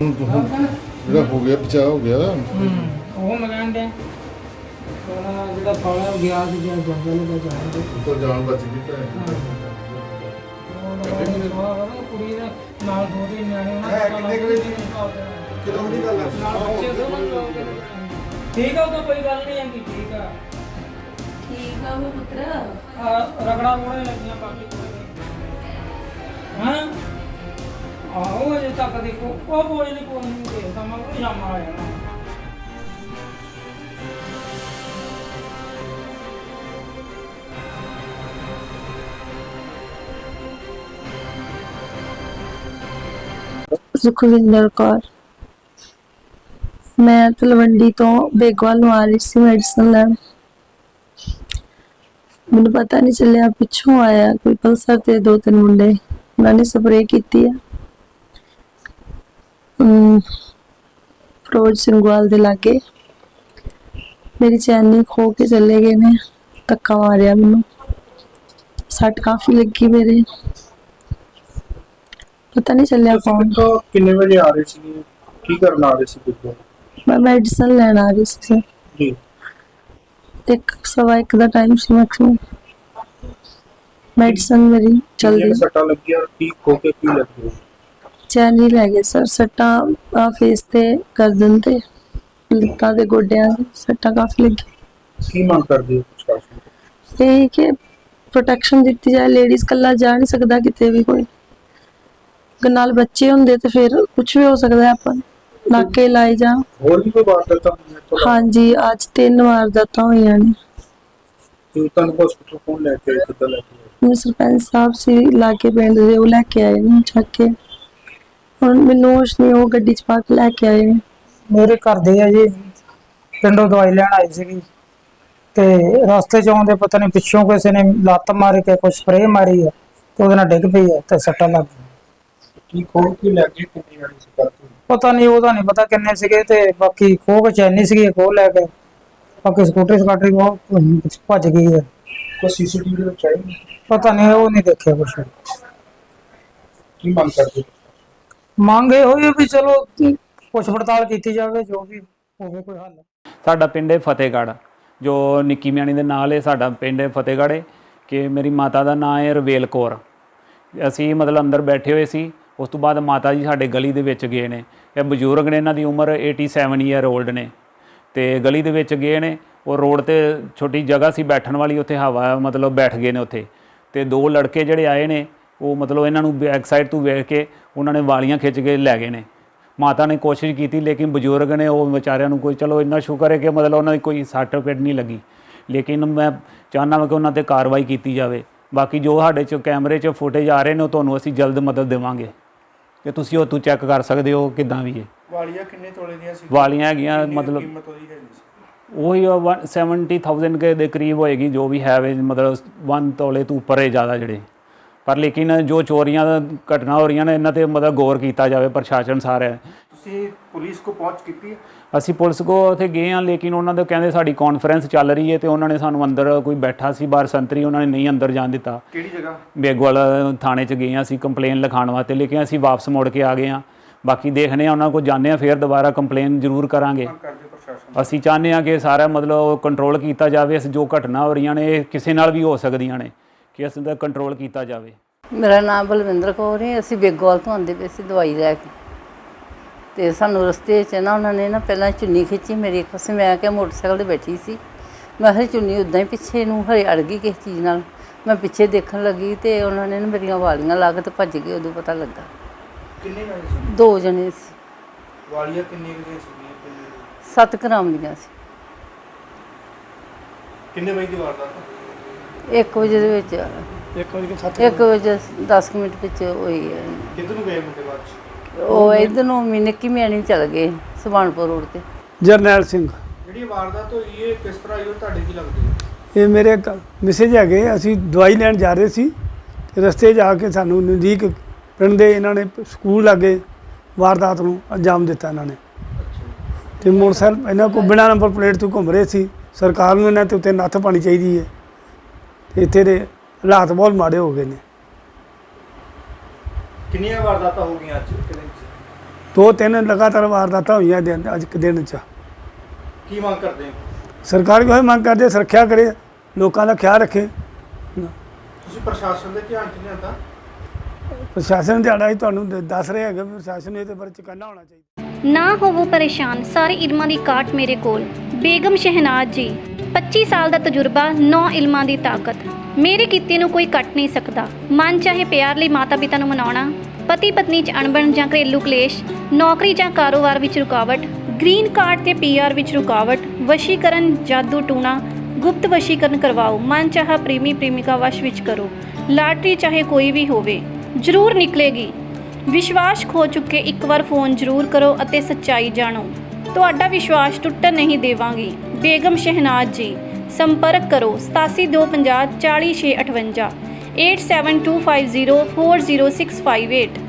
ਜਿਹੜਾ ਹੋ ਗਿਆ ਬਚਾਅ ਹੋ ਗਿਆ। ਉਹ ਮਕਾਨ ਦੇ ਉਹਨਾਂ ਜਿਹੜਾ ਫਾਲਾ ਗਿਆ ਸੀ ਜਾਂ ਜੰਗਲ ਵਿੱਚ ਜਾਣ ਉੱਤੋਂ ਜਾਨ ਬਚ ਗਈ ਉਹ ਕੁੜੀ ਦੇ ਨਾਲ ਦੋ ਤਿੰਨ ਨਿਆਣੇ ਉਹਨਾਂ ਕਿੰਨੇ ਕੁ ਵਜੇ ਦੀ ਕਿਦੋਂ ਦੀ ਗੱਲ ਹੈ? ਠੀਕ ਆ ਉਹ ਤਾਂ ਕੋਈ ਗੱਲ ਨਹੀਂ ਹੈਗੀ। ਠੀਕ ਆ ਉਹ ਪੁੱਤਰ ਰਗੜਾ ਮੋੜੇ ਲੱਗੀਆਂ ਬਾਕੀ ਹਾਂ ਆਹੋ ਅਜੇ ਤੱਕ ਦੇਖੋ ਉਹ ਬੋਝ ਨਹੀਂ ਕੋਈ ਨਹੀਂ ਦੇਖਦਾ ਮੈਂ ਉਹ ਜਾਮਾ ਆਇਆ ਨਾ ਸੁਖਵਿੰਦਰ ਕੌਰ ਮੈਂ ਤਲਵੰਡੀ ਤੋਂ ਬੇਗਵਾਲ ਨੂੰ ਆ ਰਹੀ ਸੀ ਮੈਡੀਸਨ ਲੈਣ। ਮੈਨੂੰ ਪਤਾ ਨਹੀਂ ਚੱਲਿਆ ਪਿੱਛੋਂ ਆਇਆ ਕੋਈ ਪਲਸਰ ਤੇ ਦੋ ਤਿੰਨ ਮੁੰਡੇ ਉਹਨਾਂ ਨੇ ਸਪਰੇਅ ਕੀਤੀ ਆ ਫਰੋਜ਼ ਸਿੰਘਵਾਲ ਦੇ ਲਾਗੇ। ਮੇਰੀ ਚੈਨੀ ਖੋ ਕੇ ਚਲੇ ਗਏ ਨੇ, ਧੱਕਾ ਮਾਰਿਆ ਮੈਨੂੰ, ਸੱਟ ਕਾਫੀ ਲੱਗੀ ਮੇਰੇ, पता नहीं चलिया कौन। कितने बजे आ रहे थे की करना आ रहे थे बिल्कुल? मैं मेडिसिन लेना आ रही थी जी। एक सवा एक दा टाइम सी मैक्सिमम मेडिसिन मेरी चल रही सट्टा लग गया और ठीक होके की लग गया? चैन ही लग गया सर, सट्टा फेस ते गर्दन ते लत्तां ते गोड्डियां ते सट्टा काफी लगी। की मांग कर दी प्रशासन? यही कि प्रोटेक्शन दी जाए, लेडीज कल्ला जा नहीं सकता किते भी कोई, नाल बच्चे होंदे ते फिर कुछ भी हो सकता है, अपन नाके लाए जा। और भी कोई बात करता हूं? हाँ जी, आज 3 वारदातां होईयां ने। तुम हॉस्पिटल कौन लेके आए? कितना लेके आए? मैं सरपंच साहब से लाके पिंड दे वो लेके आए ने चक के, हुण मैनूं होश नहीं, वो गड्डी च पा के लेके आए ने। ਮੇਰੇ ਘਰ ਦੇ ਆ ਜੀ ਪਿੰਡੋਂ ਦਵਾਈ ਲੈਣ ਆਈ ਸੀਗੀ ਤੇ ਰਸਤੇ ਚ ਆਉਂਦੇ ਪਤਾ ਨਹੀਂ ਪਿੱਛੋਂ ਕਿਸੇ ਨੇ ਲੱਤ ਮਾਰ ਕੇ ਕੋਈ ਸਪਰੇਅ ਮਾਰੀ ਆ ਤੇ ਉਹਦੇ ਨਾਲ ਡਿੱਗ ਪਈ ਆ ਤੇ ਸੱਟਾਂ ਲੱਗ ਗਈਆਂ। की खोल की लग गई कितनी गाड़ी से करती? ਪਤਾ ਨਹੀਂ ਉਹਦਾ ਨਹੀਂ ਪਤਾ ਕਿੰਨੇ ਸੀਗੇ ਤੇ ਬਾਕੀ ਖੋਹ ਕੇ ਚੈਨੀ ਸੀਗੀ ਖੋਹ ਲੈ ਕੇ, ਬਾਕੀ ਸਕੂਟਰੀ ਸਕਾਟਰੀ ਉਹ ਭੱਜ ਗਈ ਹੈ। कोई सीसीटीवी में चाहिए? ਪਤਾ ਨਹੀਂ ਉਹ ਨਹੀਂ ਦੇਖਿਆ ਕੁਛ। की मांग करते? ਮੰਗ ਇਹ ਹੋਈ ਵੀ ਚਲੋ ਪੁੱਛ ਪੜਤਾਲ ਕੀਤੀ ਜਾਵੇ, ਜੋ ਵੀ ਹੋਵੇ ਕੋਈ ਹੱਲ। ਸਾਡਾ ਪਿੰਡ ਹੈ ਫਤਿਹਗੜ੍ਹ, ਜੋ ਨਿੱਕੀ ਮਿਆਣੀ ਦੇ ਨਾਲ ਹੈ ਸਾਡਾ ਪਿੰਡ ਹੈ ਫਤਿਹਗੜ੍ਹ ਹੈ। ਕਿ ਮੇਰੀ ਮਾਤਾ ਦਾ ਨਾਂ ਹੈ ਰਵੇਲ ਕੌਰ। ਅਸੀਂ ਮਤਲਬ ਅੰਦਰ ਬੈਠੇ ਹੋਏ ਸੀ, ਉਸ ਤੋਂ ਬਾਅਦ ਮਾਤਾ ਜੀ ਸਾਡੇ ਗਲੀ ਦੇ ਵਿੱਚ ਗਏ ਨੇ। ਇਹ ਬਜ਼ੁਰਗ ਨੇ, ਇਹਨਾਂ ਦੀ ਉਮਰ 87 ਈਅਰ ਓਲਡ ਨੇ, ਤੇ ਗਲੀ ਦੇ ਵਿੱਚ ਗਏ ਨੇ। ਉਹ ਰੋਡ ਤੇ ਛੋਟੀ ਜਗ੍ਹਾ ਸੀ ਬੈਠਣ ਵਾਲੀ, ਉੱਥੇ ਹਵਾ ਮਤਲਬ ਬੈਠ ਗਏ ਨੇ ਉੱਥੇ। ਤੇ ਦੋ ਲੜਕੇ ਜਿਹੜੇ ਆਏ ਨੇ ਉਹ ਮਤਲਬ ਇਹਨਾਂ ਨੂੰ ਬੈਕ ਸਾਈਡ ਤੋਂ ਵੇਖ ਕੇ ਉਹਨਾਂ ਨੇ ਵਾਲੀਆਂ ਖਿੱਚ ਕੇ ਲੈ ਗਏ ਨੇ। ਮਾਤਾ ਨੇ ਕੋਸ਼ਿਸ਼ ਕੀਤੀ ਲੇਕਿਨ ਬਜ਼ੁਰਗ ਨੇ ਉਹ ਵਿਚਾਰਿਆਂ ਨੂੰ ਕੋਈ, ਚਲੋ ਇੰਨਾ ਸ਼ੁਕਰ ਹੈ ਕਿ ਮਤਲਬ ਉਹਨਾਂ ਦੀ ਕੋਈ ਸੱਟ ਫੇਟ ਨਹੀਂ ਲੱਗੀ, ਲੇਕਿਨ ਮੈਂ ਚਾਹੁੰਦਾ ਹਾਂ ਕਿ ਉਹਨਾਂ 'ਤੇ ਕਾਰਵਾਈ ਕੀਤੀ ਜਾਵੇ। ਬਾਕੀ ਜੋ ਸਾਡੇ 'ਚ ਕੈਮਰੇ 'ਚ ਫੁਟੇਜ ਆ ਰਹੇ ਨੇ ਉਹ ਤੁਹਾਨੂੰ ਅਸੀਂ ਜਲਦ ਮਦਦ ਦੇਵਾਂਗੇ ਕਿ ਤੁਸੀਂ ਉਹ ਤੋਂ ਚੈੱਕ ਕਰ ਸਕਦੇ ਹੋ ਕਿੱਦਾਂ ਵੀ ਹੈ। ਵਾਲੀਆਂ ਕਿੰਨੇ ਤੋਲੇ ਦੀਆਂ ਸੀ? ਵਾਲੀਆਂ ਹੈਗੀਆਂ ਮਤਲਬ ਕੀਮਤ ਉਹਦੀ ਹੈਗੀ ਸੀ ਉਹੀ 70,000 ਕੇ ਦੇ ਕਰੀਬ ਹੋਏਗੀ, ਜੋ ਵੀ ਹੈ ਮਤਲਬ 1 ਤੋਲੇ ਤੋਂ ਉੱਪਰ ਹੈ ਜ਼ਿਆਦਾ ਜਿਹੜੇ। ਪਰ ਲੇਕਿਨ ਜੋ ਚੋਰੀਆਂ ਦਾ ਘਟਨਾ ਹੋ ਰਹੀਆਂ ਨੇ ਇਹਨਾਂ 'ਤੇ ਮਤਲਬ ਗੌਰ ਕੀਤਾ ਜਾਵੇ ਪ੍ਰਸ਼ਾਸਨ ਸਾਰਾ। ਤੁਸੀਂ ਪੁਲਿਸ ਕੋ ਪਹੁੰਚ ਕੀਤੀ ਹੈ? ਅਸੀਂ ਪੁਲਿਸ ਕੋ ਉੱਥੇ ਗਏ ਹਾਂ, ਲੇਕਿਨ ਉਹਨਾਂ ਦੇ ਕਹਿੰਦੇ ਸਾਡੀ ਕਾਨਫਰੰਸ ਚੱਲ ਰਹੀ ਹੈ ਤੇ ਉਹਨਾਂ ਨੇ ਸਾਨੂੰ ਅੰਦਰ ਕੋਈ ਬੈਠਾ ਸੀ ਬਾਹਰ ਸੰਤਰੀ, ਉਹਨਾਂ ਨੇ ਨਹੀਂ ਅੰਦਰ ਜਾਣ ਦਿੱਤਾ। ਕਿਹੜੀ ਜਗ੍ਹਾ? ਬੇਗਵਾਲ ਥਾਣੇ 'ਚ ਗਏ ਹਾਂ ਅਸੀਂ ਕੰਪਲੇਨ ਲਿਖਾਉਣ ਵਾਸਤੇ, ਲੇਕਿਨ ਅਸੀਂ ਵਾਪਸ ਮੁੜ ਕੇ ਆ ਗਏ ਹਾਂ। ਬਾਕੀ ਦੇਖਦੇ ਹਾਂ, ਉਹਨਾਂ ਕੋਲ ਜਾਂਦੇ ਹਾਂ, ਫਿਰ ਦੁਬਾਰਾ ਕੰਪਲੇਨ ਜ਼ਰੂਰ ਕਰਾਂਗੇ। ਅਸੀਂ ਚਾਹੁੰਦੇ ਹਾਂ ਕਿ ਸਾਰਾ ਮਤਲਬ ਕੰਟਰੋਲ ਕੀਤਾ ਜਾਵੇ। ਇਸ ਜੋ ਘਟਨਾ ਹੋ ਰਹੀਆਂ ਨੇ ਇਹ ਕਿਸੇ ਨਾਲ ਵੀ ਹੋ ਸਕਦੀਆਂ ਨੇ, ਕਿ ਇਸ ਦਾ ਕੰਟਰੋਲ ਕੀਤਾ ਜਾਵੇ। ਮੇਰਾ ਨਾਮ ਬਲਵਿੰਦਰ ਕੌਰ ਹੈ। ਅਸੀਂ ਬੇਗਵਾਲ ਤੋਂ ਆਉਂਦੇ ਪਏ ਸੀ ਦਵਾਈ ਲੈ ਕੇ, ਤੇ ਸਾਨੂੰ ਰਸਤੇ 'ਚ ਨਾ ਉਹਨਾਂ ਨੇ ਨਾ ਪਹਿਲਾਂ ਚੁੰਨੀ ਖਿੱਚੀ ਮੇਰੀ ਇੱਕ ਪਾਸੇ। ਮੈਂ ਕਿਹਾ ਮੋਟਰਸਾਈਕਲ 'ਤੇ ਬੈਠੀ ਸੀ, ਮੈਂ ਕਿਹਾ ਚੁੰਨੀ ਉੱਦਾਂ ਹੀ ਪਿੱਛੇ ਨੂੰ ਹਰੇ ਅੜ ਗਈ ਕਿਸੇ ਚੀਜ਼ ਨਾਲ। ਮੈਂ ਪਿੱਛੇ ਦੇਖਣ ਲੱਗੀ ਤੇ ਉਹਨਾਂ ਨੇ ਨਾ ਮੇਰੀਆਂ ਵਾਲੀਆਂ ਲਾ ਕੇ ਤੇ ਭੱਜ ਗਏ। ਉਦੋਂ ਪਤਾ ਲੱਗਾ। ਕਿੰਨੇ ਜਣੇ ਸੀ? 2 ਜਣੇ ਸੀ। ਵਾਲੀਆਂ ਕਿੰਨੇ ਦੀਆਂ ਸੀ? 7 ਗ੍ਰਾਮ ਦੀਆਂ ਸੀ। ਕਿੰਨੇ ਵਜੇ ਦੀ ਵਾਰਦਾਤ? 1 ਵਜੇ ਦੇ ਵਿੱਚ 1 ਵਜੇ 10 ਮਿੰਟ ਵਿੱਚ ਹੋਈ ਹੈ। ਕਿੱਧਰ ਨੂੰ ਗਏ ਮੁੰਡੇ ਬਾਅਦ ਚ? ਉਹ ਇੱਧਰ ਨੂੰ ਨਿੱਕੀ ਮਿਆਣੀ ਚਲ ਗਏ, ਸੁਭਾਨਪੁਰ ਰੋਡ ਤੇ। ਜਰਨੈਲ ਸਿੰਘ। ਜਿਹੜੀ ਵਾਰਦਾਤ ਹੋਈ ਇਹ ਕਿਸ ਤਰ੍ਹਾਂ ਹੋਈ, ਤੁਹਾਡੇ ਕੀ ਲੱਗਦੀ ਹੈ? ਇਹ ਮੇਰੇ ਮੈਸੇਜ ਹੈਗੇ। ਅਸੀਂ ਦਵਾਈ ਲੈਣ ਜਾ ਰਹੇ ਸੀ ਤੇ ਰਸਤੇ 'ਚ ਆ ਕੇ ਸਾਨੂੰ ਨਜ਼ਦੀਕ ਪਿੰਡ ਦੇ ਇਹਨਾਂ ਨੇ ਸਕੂਲ ਲਾਗੇ ਵਾਰਦਾਤ ਨੂੰ ਅੰਜਾਮ ਦਿੱਤਾ ਇਹਨਾਂ ਨੇ। ਤੇ ਮੋਟਰਸਾਈਕਲ ਇਹਨਾਂ ਕੋਲ ਬਿਨਾਂ ਨੰਬਰ ਪਲੇਟ ਤੋਂ ਘੁੰਮ ਰਹੇ ਸੀ। ਸਰਕਾਰ ਨੂੰ ਇਹਨਾਂ 'ਤੇ ਉੱਤੇ ਨੱਥ ਪਾਉਣੀ ਚਾਹੀਦੀ ਹੈ। ਤੇ ਇੱਥੇ ਦੇ ਹਾਲਾਤ ਬਹੁਤ ਮਾੜੇ ਹੋ ਗਏ ਨੇ। ਕਿੰਨੀਆਂ ਵਾਰਦਾਤਾਂ ਹੋ ਗਈਆਂ ਅੱਜ ਇੱਕ ਦਿਨ 'ਚ? 2-3 ਲਗਾਤਾਰ ਵਾਰਦਾਤਾਂ ਹੋਈਆਂ ਅੱਜ ਇੱਕ ਦਿਨ 'ਚ। ਕੀ ਮੰਗ ਕਰਦੇ ਹੋ? ਸਰਕਾਰ ਕੋਈ ਮੰਗ ਕਰਦੇ ਸੁਰੱਖਿਆ ਕਰੇ, ਲੋਕਾਂ ਦਾ ਖਿਆਲ ਰੱਖੇ। ਤੁਸੀਂ ਪ੍ਰਸ਼ਾਸਨ ਦੇ ਧਿਆਨ 'ਚ ਲਿਆਂਦਾ? ਪ੍ਰਸ਼ਾਸਨ ਦਿਹਾੜਾ ਹੀ ਤੁਹਾਨੂੰ ਦੱਸ ਰਿਹਾ ਹੈਗਾ ਵੀ ਪ੍ਰਸ਼ਾਸਨ ਨੂੰ ਇਹਦੇ ਬਾਰੇ ਚੁਕੰਨਾ ਹੋਣਾ ਚਾਹੀਦਾ। ਨਾ ਹੋਵੋ ਪਰੇਸ਼ਾਨ, ਸਾਰੇ ਇਲਮਾਂ ਦੀ ਕਾਟ ਮੇਰੇ ਕੋਲ। ਬੇਗਮ ਸ਼ਹਿਨਾਜ਼ ਜੀ, 25 ਸਾਲ ਦਾ ਤਜਰਬਾ, 9 ਇਲਮਾਂ ਦੀ ਤਾਕਤ। ਮੇਰੇ ਕੀਤੇ ਨੂੰ ਕੋਈ ਕੱਟ ਨਹੀਂ ਸਕਦਾ। ਮਨ ਚਾਹੇ ਪਿਆਰ ਲਈ ਮਾਤਾ ਪਿਤਾ ਨੂੰ ਮਨਾਉਣਾ, ਪਤੀ ਪਤਨੀ 'ਚ ਅਣਬਣ ਜਾਂ ਘਰੇਲੂ ਕਲੇਸ਼, ਨੌਕਰੀ ਜਾਂ ਕਾਰੋਬਾਰ ਵਿੱਚ ਰੁਕਾਵਟ, ਗ੍ਰੀਨ ਕਾਰਡ ਤੇ PR ਵਿੱਚ ਰੁਕਾਵਟ, ਵਸ਼ੀਕਰਨ, ਜਾਦੂ ਟੂਣਾ, ਗੁਪਤ ਵਸ਼ੀਕਰਨ ਕਰਵਾਓ, ਮਨ ਚਾਹਾ ਪ੍ਰੇਮੀ ਪ੍ਰੇਮਿਕਾ ਵਸ਼ ਵਿੱਚ ਕਰੋ। ਲਾਟਰੀ ਚਾਹੇ ਕੋਈ ਵੀ ਹੋਵੇ, ਜ਼ਰੂਰ ਨਿਕਲੇਗੀ। ਵਿਸ਼ਵਾਸ ਖੋ ਚੁੱਕੇ ਇੱਕ ਵਾਰ ਫੋਨ ਜ਼ਰੂਰ ਕਰੋ ਅਤੇ ਸੱਚਾਈ ਜਾਣੋ। ਤੁਹਾਡਾ ਵਿਸ਼ਵਾਸ ਟੁੱਟਣ ਨਹੀਂ ਦੇਵਾਂਗੀ। ਬੇਗਮ ਸ਼ਹਿਨਾਜ਼ ਜੀ, ਸੰਪਰਕ ਕਰੋ 8725040658 8725040658।